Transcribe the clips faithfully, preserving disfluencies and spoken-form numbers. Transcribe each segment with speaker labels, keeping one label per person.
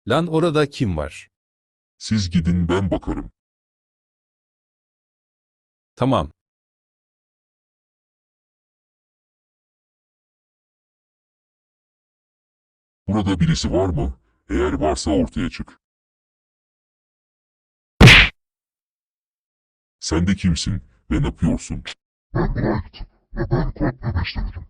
Speaker 1: Lan orada kim var?
Speaker 2: Siz gidin, ben bakarım.
Speaker 1: Tamam.
Speaker 2: Burada birisi var mı? Eğer varsa ortaya çık. Sen de kimsin ve ne yapıyorsun? Ben Bright ve ben kod bebeklerim.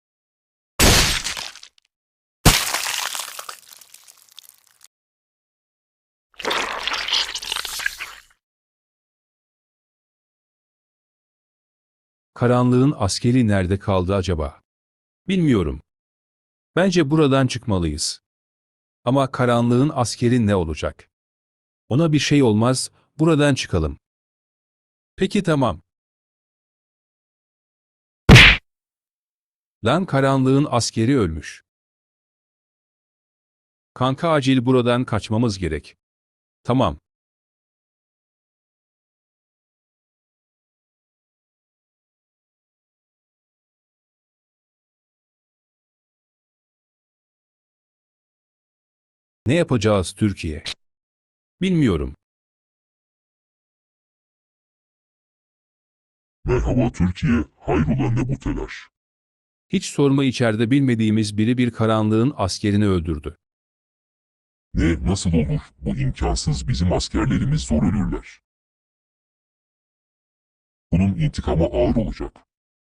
Speaker 1: Karanlığın askeri nerede kaldı acaba? Bilmiyorum. Bence buradan çıkmalıyız. Ama karanlığın askeri ne olacak? Ona bir şey olmaz, buradan çıkalım. Peki tamam. Lan karanlığın askeri ölmüş. Kanka acil buradan kaçmamız gerek. Tamam. Ne yapacağız Türkiye? Bilmiyorum.
Speaker 2: Merhaba Türkiye, hayrola ne bu telaş?
Speaker 1: Hiç sorma, içeride bilmediğimiz biri bir karanlığın askerini öldürdü.
Speaker 2: Ne, nasıl olur? Bu imkansız, bizim askerlerimiz zor ölürler. Bunun intikamı ağır olacak.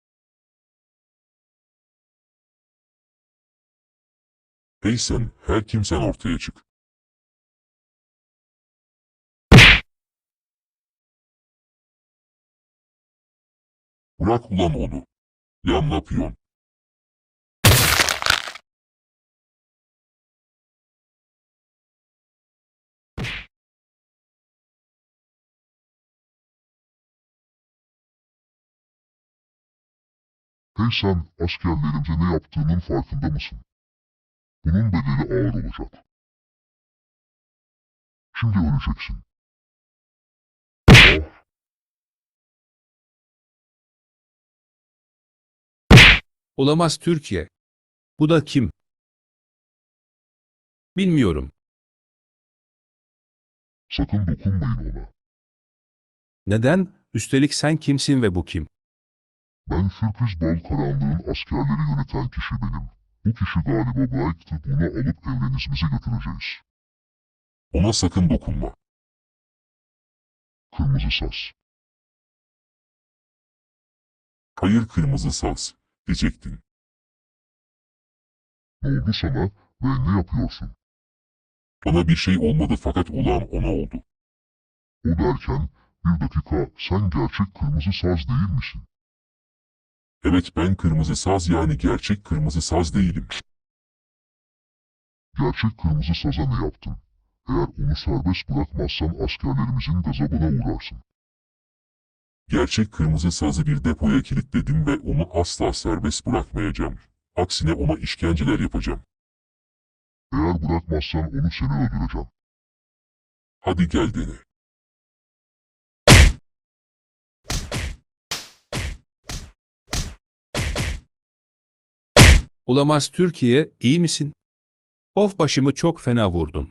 Speaker 2: Hey sen, her kimsen ortaya çık. Bırak ulan onu. Ya ne yapıyorsun? Hey sen, askerlerimize ne yaptığının farkında mısın? Bunun bedeli ağır olacak. Şimdi öleceksin. Ah,
Speaker 1: Olamaz Türkiye. Bu da kim? Bilmiyorum.
Speaker 2: sakın dokunmayın ona.
Speaker 1: Neden? Üstelik sen kimsin ve bu kim?
Speaker 2: Ben Sürpriz Bal Karanlığın askerleri yöneten kişi benim. Bu kişi galiba Bright'tı, bunu alıp evrenizimize götüreceğiz. Ona sakın dokunma. Kırmızı saz. Hayır kırmızı saz, diyecektin. Ne oldu sana ve ne yapıyorsun? Bana bir şey olmadı fakat olan ona oldu. O derken, bir dakika, sen gerçek kırmızı saz değil misin? Evet, ben kırmızı saz, yani gerçek kırmızı saz değilim. Gerçek kırmızı saza ne yaptın? Eğer onu serbest bırakmazsan askerlerimizin gazabına uğrarsın. Gerçek kırmızı sazı bir depoya kilitledim ve onu asla serbest bırakmayacağım. Aksine ona işkenceler yapacağım. Eğer bırakmazsan onu seni öldüreceğim. Hadi gel dene.
Speaker 1: Olamaz Türkiye, iyi misin? Of, başımı çok fena vurdun.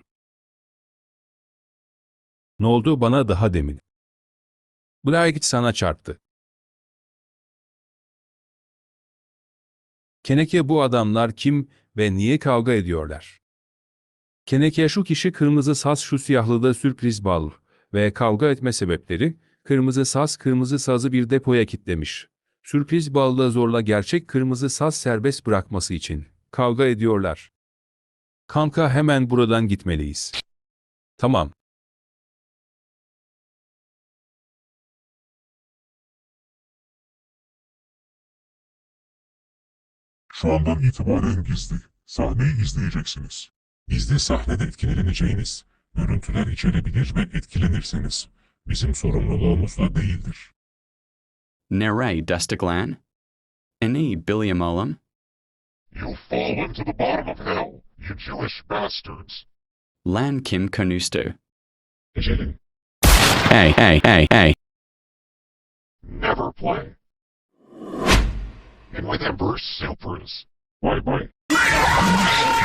Speaker 1: Ne oldu bana daha demin? Bright sana çarptı. Keneke, bu adamlar kim ve niye kavga ediyorlar? Keneke, şu kişi kırmızı saz, şu siyahlı da Sürpriz Bal ve kavga etme sebepleri, kırmızı saz kırmızı sazı bir depoya kilitlemiş. Sürpriz Bal da zorla gerçek kırmızı saz serbest bırakması için kavga ediyorlar. Kanka, hemen buradan gitmeliyiz. Tamam.
Speaker 2: Şu andan itibaren gizli sahneyi izleyeceksiniz. Gizli sahnede etkileneceğiniz görüntüler içerebilir ve etkilenirseniz bizim sorumluluğumuz da değildir.
Speaker 3: Nere Dustaglan? Ini Billiam Olam?
Speaker 2: You'll fall into the bottom of hell, you Jewish bastards.
Speaker 3: Lan Kim Kanustu?
Speaker 2: Ecelin,
Speaker 3: Hey, hey, hey, hey.
Speaker 2: never play. And with Ember Supers. Bye bye.